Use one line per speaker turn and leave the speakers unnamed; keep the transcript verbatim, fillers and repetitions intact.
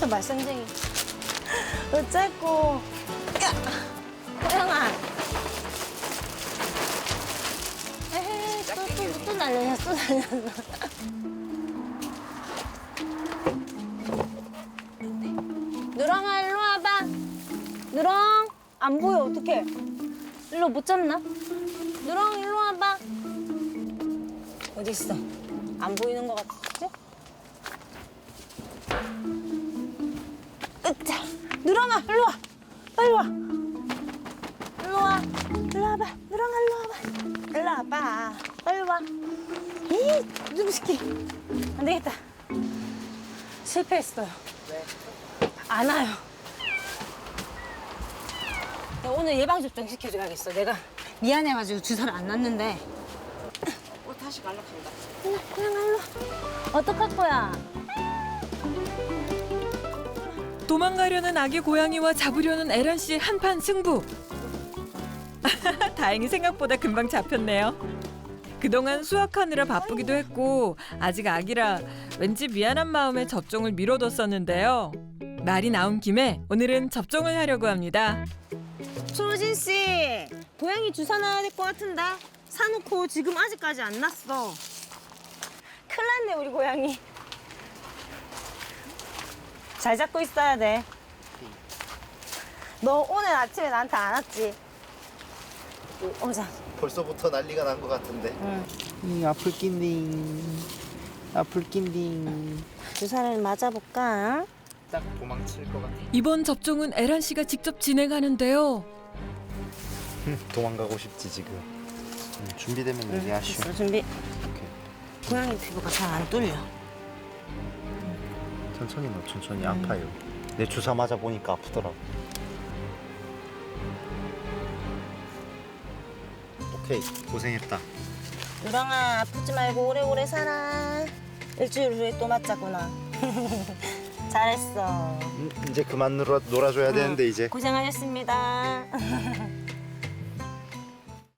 저 말썽쟁이. 어쨌고. 야! 호영아. 에헤이, 또, 또, 또 날렸어, 또 날렸어. 누렁아, 일로 와봐. 누렁, 안 보여, 어떡해. 일로 못 잡나? 누렁, 일로 와봐. 어디 있어? 안 보이는 것 같지? 으짜! 누렁아, 일로 와. 빨리 와. 일로 와. 일로 와봐. 누렁아, 일로 와봐. 일로 와봐. 빨리 와. 이 누구시키? 안 되겠다. 실패했어요. 안 와요. 내가 오늘 예방접종 시켜줘야겠어. 내가 미안해가지고 주사를 안 놨는데.
어, 다시 갈락한다.
그냥, 그냥 일로 와. 어떡할 거야?
도망가려는 아기 고양이와 잡으려는 에란 씨 한판 승부. 다행히 생각보다 금방 잡혔네요. 그동안 수확하느라 바쁘기도 했고 아직 아기라 왠지 미안한 마음에 접종을 미뤄뒀었는데요. 말이 나온 김에 오늘은 접종을 하려고 합니다.
초진 씨, 고양이 주사 놔야 될 것 같은데 사놓고 지금 아직까지 안 났어. 큰일 났네 우리 고양이. 잘 잡고 있어야 돼. 너 오늘 아침에 나한테 안 왔지? 오자.
벌써부터 난리가 난 것 같은데.
응.
이 아플 낀딩. 아플 낀딩.
주사를 맞아볼까?
딱 도망칠 것 같아.
이번 접종은 에란 씨가 직접 진행하는데요.
도망가고 싶지 지금. 음, 준비되면 얘기하시오.
됐어, 준비.
오케이.
고양이 피부가 잘 안 뚫려.
천천히 넣어. 천천히. 아파요. 내 주사 맞아 보니까 아프더라고. 오케이. 고생했다.
누렁아, 아프지 말고 오래오래 살아. 일주일 후에 또 맞자꾸나. 잘했어.
음, 이제 그만 놀아, 놀아줘야 되는데 이제.
고생하셨습니다.